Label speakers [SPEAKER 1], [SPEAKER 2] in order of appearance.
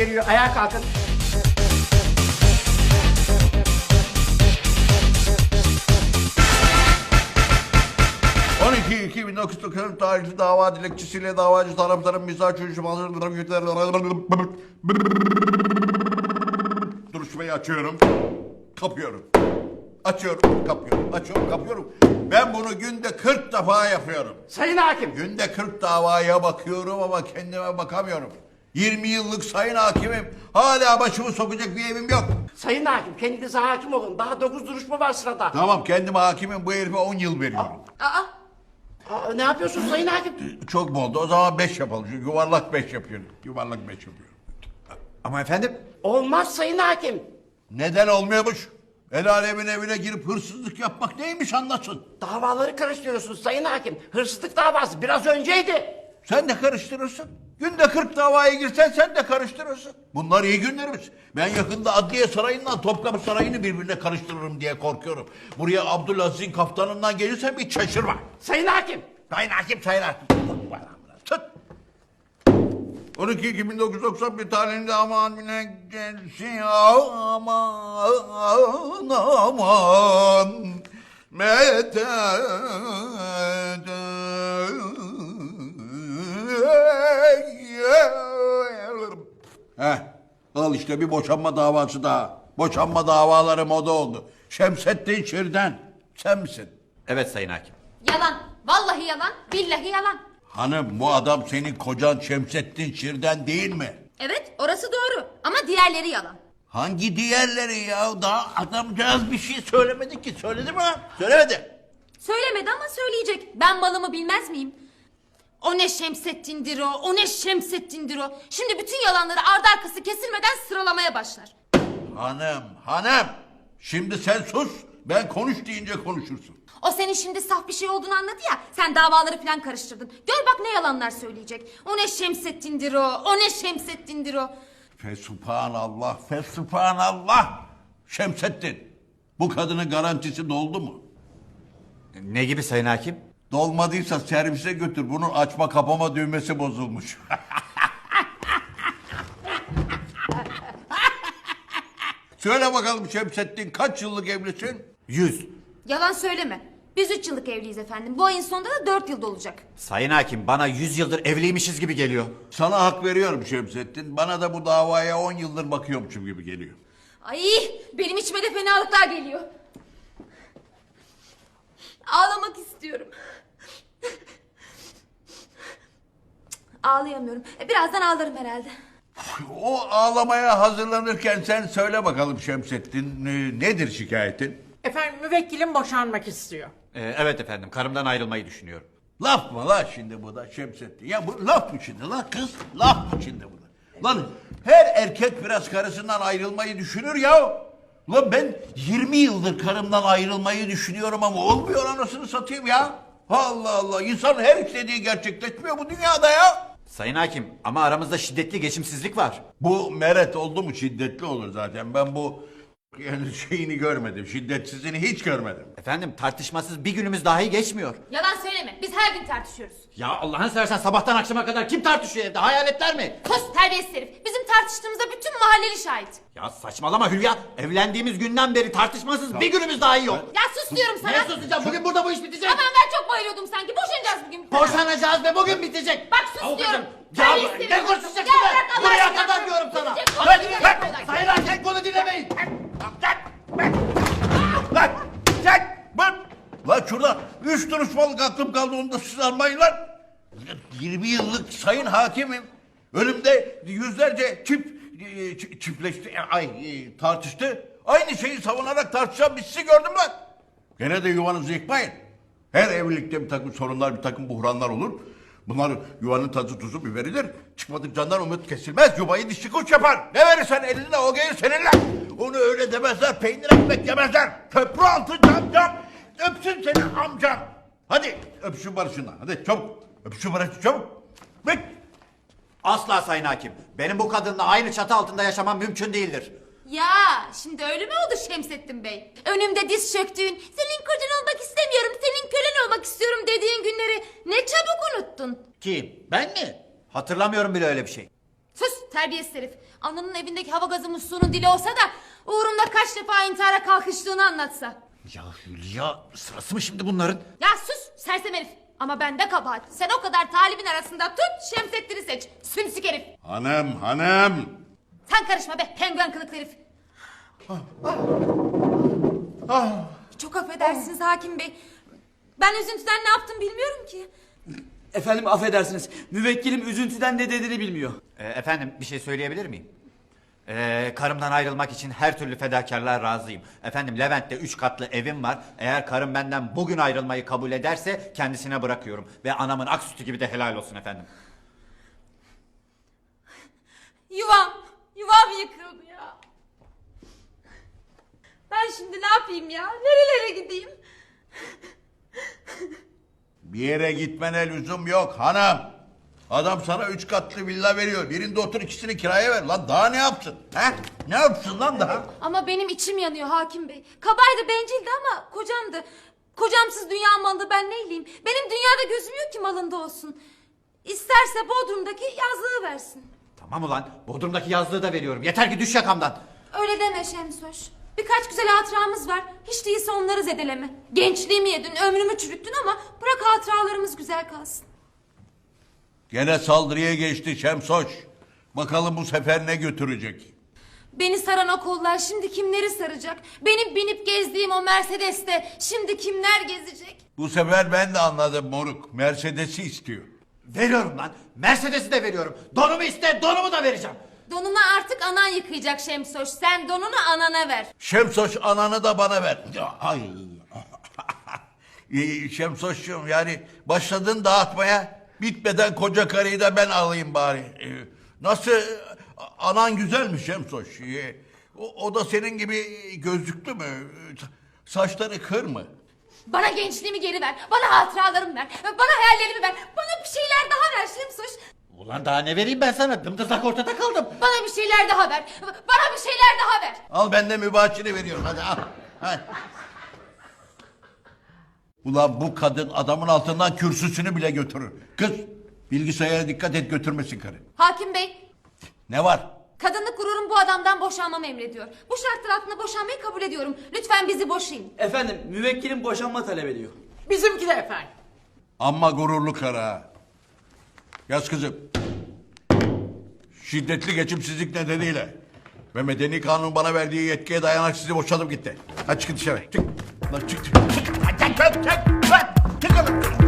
[SPEAKER 1] geliyor. Ayağa kalkın.
[SPEAKER 2] ...12.2009 tarihli dava dilekçesiyle davacı tarafların mizah duruşmayı açıyorum. Kapıyorum. Açıyorum, kapıyorum. Açıyorum, kapıyorum. Ben bunu günde 40 defa yapıyorum.
[SPEAKER 1] Sayın hakim.
[SPEAKER 2] Günde 40 davaya bakıyorum ama kendime bakamıyorum. 20 yıllık sayın hakimim. Hala başımı sokacak bir evim yok.
[SPEAKER 1] Sayın hakim, kendinize hakim olun. Daha 9 duruşma var sırada.
[SPEAKER 2] Tamam, kendime hakimim. Bu herife 10 yıl veriyorum.
[SPEAKER 1] Ne yapıyorsun sayın hakim?
[SPEAKER 2] Çok mu oldu? O zaman 5 yapalım. Çünkü yuvarlak 5 yapıyorum. Yuvarlak 5 yapıyorum.
[SPEAKER 3] Ama efendim?
[SPEAKER 1] Olmaz sayın hakim.
[SPEAKER 2] Neden olmuyormuş? El alemin evine girip hırsızlık yapmak neymiş anlasın.
[SPEAKER 1] Davaları karıştırıyorsunuz sayın hakim. Hırsızlık davası biraz önceydi.
[SPEAKER 2] Sen de karıştırırsın. Günde 40 davaya girsen sen de karıştırırsın. Bunlar iyi günlerimiz. Ben yakında Adliye Sarayı'ndan Topkapı Sarayı'nı birbirine karıştırırım diye korkuyorum. Buraya Abdülaziz'in kaftanından gelirsen hiç şaşırma.
[SPEAKER 1] Sayın hakim.
[SPEAKER 2] Sayın hakim, sayın hakim. Tut. 12.2091 tarihinde aman yine gelsin aman medet. Al işte bir boşanma davası daha. Boşanma davaları moda oldu. Şemsettin Şirden. Sen misin?
[SPEAKER 3] Evet sayın hakim.
[SPEAKER 4] Yalan. Vallahi yalan. Billahi yalan.
[SPEAKER 2] Hanım, bu adam senin kocan Şemsettin Şirden değil mi?
[SPEAKER 4] Evet, orası doğru. Ama diğerleri yalan.
[SPEAKER 2] Hangi diğerleri ya? Daha adamcağız bir şey söylemedi ki. Söyledi mi lan? Söylemedi.
[SPEAKER 4] Söylemedi ama söyleyecek. Ben malımı bilmez miyim? O ne Şemsettin'dir o, o ne Şemsettin'dir o. Şimdi bütün yalanları ardı arkası kesilmeden sıralamaya başlar.
[SPEAKER 2] Hanım. Şimdi sen sus. Ben konuş deyince konuşursun.
[SPEAKER 4] O senin şimdi saf bir şey olduğunu anladı ya. Sen davaları falan karıştırdın. Gör bak ne yalanlar söyleyecek. O ne Şemsettin'dir o, o ne Şemsettin'dir o.
[SPEAKER 2] Fesubhanallah, fesubhanallah. Şemsettin, bu kadının garantisi doldu mu?
[SPEAKER 3] Ne gibi sayın hakim?
[SPEAKER 2] Dolmadıysa servise götür. Bunun açma kapama düğmesi bozulmuş. Söyle bakalım Şemsettin, kaç yıllık evlisin?
[SPEAKER 3] 100.
[SPEAKER 4] Yalan söyleme. Biz 3 yıllık evliyiz efendim. Bu ayın sonunda da 4 yılda olacak.
[SPEAKER 3] Sayın hakim, bana 100 yıldır evliymişiz gibi geliyor.
[SPEAKER 2] Sana hak veriyorum Şemsettin. Bana da bu davaya 10 yıldır bakıyormuşum gibi geliyor.
[SPEAKER 4] Ay benim içime de fenalıklar geliyor. Ağlamak istiyorum. Ağlayamıyorum. Birazdan ağlarım herhalde.
[SPEAKER 2] O ağlamaya hazırlanırken sen söyle bakalım Şemsettin, nedir şikayetin?
[SPEAKER 1] Efendim müvekkilim boşanmak istiyor.
[SPEAKER 3] Evet efendim, karımdan ayrılmayı düşünüyorum.
[SPEAKER 2] Laf mı la şimdi bu da Şemsettin? Ya bu laf mı şimdi la kız? Laf mı şimdi bu da? Lan her erkek biraz karısından ayrılmayı düşünür ya. Lan ben 20 yıldır karımdan ayrılmayı düşünüyorum ama olmuyor, anasını satayım ya. Allah Allah, insan her istediği gerçekleşmiyor bu dünyada ya.
[SPEAKER 3] Sayın hakim, ama aramızda şiddetli geçimsizlik var.
[SPEAKER 2] Bu meret oldu mu şiddetli olur zaten. Ben bu yani şeyini görmedim. Şiddetsizini hiç görmedim.
[SPEAKER 3] Efendim, tartışmasız bir günümüz dahi geçmiyor.
[SPEAKER 4] Yalan söyleme. Biz her gün tartışıyoruz.
[SPEAKER 3] Ya Allah'ını seversen sabahtan akşama kadar kim tartışıyor evde? Hayaletler mi?
[SPEAKER 4] Sus terbiyesiz herif. Bizim tartıştığımıza bütün mahalleli şahit.
[SPEAKER 3] Ya saçmalama Hülya. Evlendiğimiz günden beri tartışmasız bir günümüz dahi yok.
[SPEAKER 4] Ya sus diyorum sana.
[SPEAKER 3] Ne susacağım? Bugün burada bu iş bitecek.
[SPEAKER 4] Aman ben çok bayılıyordum sanki. Boşanacağız bugün.
[SPEAKER 3] Boşanacağız ve bugün bitecek.
[SPEAKER 4] Bak sus
[SPEAKER 3] Avukatım,
[SPEAKER 4] diyorum.
[SPEAKER 3] Ya
[SPEAKER 4] Terbiyesiz herif.
[SPEAKER 3] ne konuşacaksın
[SPEAKER 4] Ya
[SPEAKER 3] be?
[SPEAKER 4] bırak Allah
[SPEAKER 3] Buraya
[SPEAKER 4] aşkına.
[SPEAKER 3] kadar diyorum sana.
[SPEAKER 4] Bitecek,
[SPEAKER 3] Lan,
[SPEAKER 4] bitecek,
[SPEAKER 3] lan,
[SPEAKER 4] bitecek.
[SPEAKER 3] sayın hakem, konu dinlemeyin.
[SPEAKER 2] Lan şurada 3 duruşmalık aklım kaldı, onu da siz almayın lan. 20 yıllık sayın hakimim. Önümde yüzlerce çiftleşti, tartıştı. Aynı şeyi savunarak tartışan biz sizi gördüm lan. Gene de yuvanızı yıkmayın. Her evlilikte bir takım sorunlar, bir takım buhranlar olur. Bunlar yuvanın tadı tuzu biberidir. Çıkmadık candan umut kesilmez. Yuvayı dişçi kuş yapar. Ne verirsen eline o gelir seninle. Onu öyle demezler. Peynir ekmek yemezler. Köprü altı cam. Öpsün seni amcam. Hadi öpüşün barışından. Hadi çabuk. Öpüşün barışın çabuk. Bek.
[SPEAKER 3] Asla sayın hakim. Benim bu kadınla aynı çatı altında yaşamam mümkün değildir.
[SPEAKER 4] Ya şimdi öyle mi oldu Şemsettin Bey? Önümde diz çöktüğün, senin kocan olmak istemiyorum, senin kölen olmak istiyorum dediğin günleri ne çabuk unuttun.
[SPEAKER 3] Kim? Ben mi? Hatırlamıyorum bile öyle bir şey.
[SPEAKER 4] Sus terbiyesiz herif. Ananın evindeki hava gazı musluğunun dili olsa da uğrumda kaç defa intihara kalkıştığını anlatsa.
[SPEAKER 3] Ya Hülya, sırası mı şimdi bunların?
[SPEAKER 4] Ya sus sersem herif. Ama bende kabahat. Sen o kadar talibin arasında tut Şemsettin'i seç. Sümsük herif.
[SPEAKER 2] Hanım.
[SPEAKER 4] Sen karışma be penguen kılıklı herif. Çok affedersiniz hakim bey. Ben üzüntüden ne yaptım bilmiyorum ki.
[SPEAKER 5] Efendim affedersiniz. Müvekkilim üzüntüden ne dediğini bilmiyor.
[SPEAKER 3] Efendim bir şey söyleyebilir miyim? Karımdan ayrılmak için her türlü fedakarlığa razıyım. Efendim Levent'te 3 katlı evim var. Eğer karım benden bugün ayrılmayı kabul ederse kendisine bırakıyorum. Ve anamın ak sütü gibi de helal olsun efendim.
[SPEAKER 4] Yuvam yıkıldı ya. Ben şimdi ne yapayım ya? Nerelere gideyim?
[SPEAKER 2] Bir yere gitmene lüzum yok hanım. Adam sana 3 katlı villa veriyor. Birinde otur, ikisini kiraya ver. Lan daha ne yapsın? He? Ne yapsın lan daha?
[SPEAKER 4] Ama benim içim yanıyor hakim bey. Kabaydı, bencildi ama kocamdı. Kocamsız dünya malı ben neyleyim? Benim dünyada gözüm yok ki malında olsun. İsterse Bodrum'daki yazlığı versin.
[SPEAKER 3] Tamam ulan, Bodrum'daki yazlığı da veriyorum. Yeter ki düş yakamdan.
[SPEAKER 4] Öyle deme Şemsoş. Birkaç güzel hatıramız var. Hiç değilse onları zedeleme. Gençliğimi yedin, ömrümü çürüttün ama bırak hatıralarımız güzel kalsın.
[SPEAKER 2] Gene saldırıya geçti Şemsoş. Bakalım bu sefer ne götürecek?
[SPEAKER 4] Beni saran o kollar şimdi kimleri saracak? Benim binip gezdiğim o Mercedes'te şimdi kimler gezecek?
[SPEAKER 2] Bu sefer ben de anladım moruk. Mercedes'i istiyor.
[SPEAKER 3] Veriyorum lan. Mercedes'i de veriyorum. Donumu iste, donumu da vereceğim.
[SPEAKER 4] Donunu artık anan yıkayacak Şemsoş. Sen donunu anana ver.
[SPEAKER 2] Şemsoş ananı da bana ver. Ay. Şemsoş'cum yani başladın dağıtmaya. Bitmeden koca karıyı da ben alayım bari. Nasıl anan güzelmiş Şemsoş. O da senin gibi gözlüklü mü? Saçları kır mı?
[SPEAKER 4] Bana gençliğimi geri ver. Bana hatıralarımı ver. Bana hayallerimi ver. Bana bir şeyler daha ver Şemsoş.
[SPEAKER 3] Ulan daha ne vereyim ben sana? Dımdızlak ortada kaldım.
[SPEAKER 4] Bana bir şeyler daha ver. Bana bir şeyler daha ver.
[SPEAKER 2] Al ben de mübaşiri veriyorum hadi al. Hadi. Ulan bu kadın adamın altından kürsüsünü bile götürür. Kız bilgisayara dikkat et götürmesin karı.
[SPEAKER 4] Hakim bey,
[SPEAKER 2] Ne var?
[SPEAKER 4] kadınlık gururum bu adamdan boşanmamı emrediyor. Bu şartlar altında boşanmayı kabul ediyorum. Lütfen bizi boşayın.
[SPEAKER 5] Efendim müvekkilim boşanma talep ediyor.
[SPEAKER 1] Bizimki de efendim.
[SPEAKER 2] Amma gururlu karı ha. Yaz kızım. Şiddetli geçimsizlik nedeniyle ve medeni kanun bana verdiği yetkiye dayanarak sizi boşadım gitti. Hadi çıkın dışarı. Çık. Lan çık. Çık. Çık. Çık. Çık. Çık. Çık. Çık.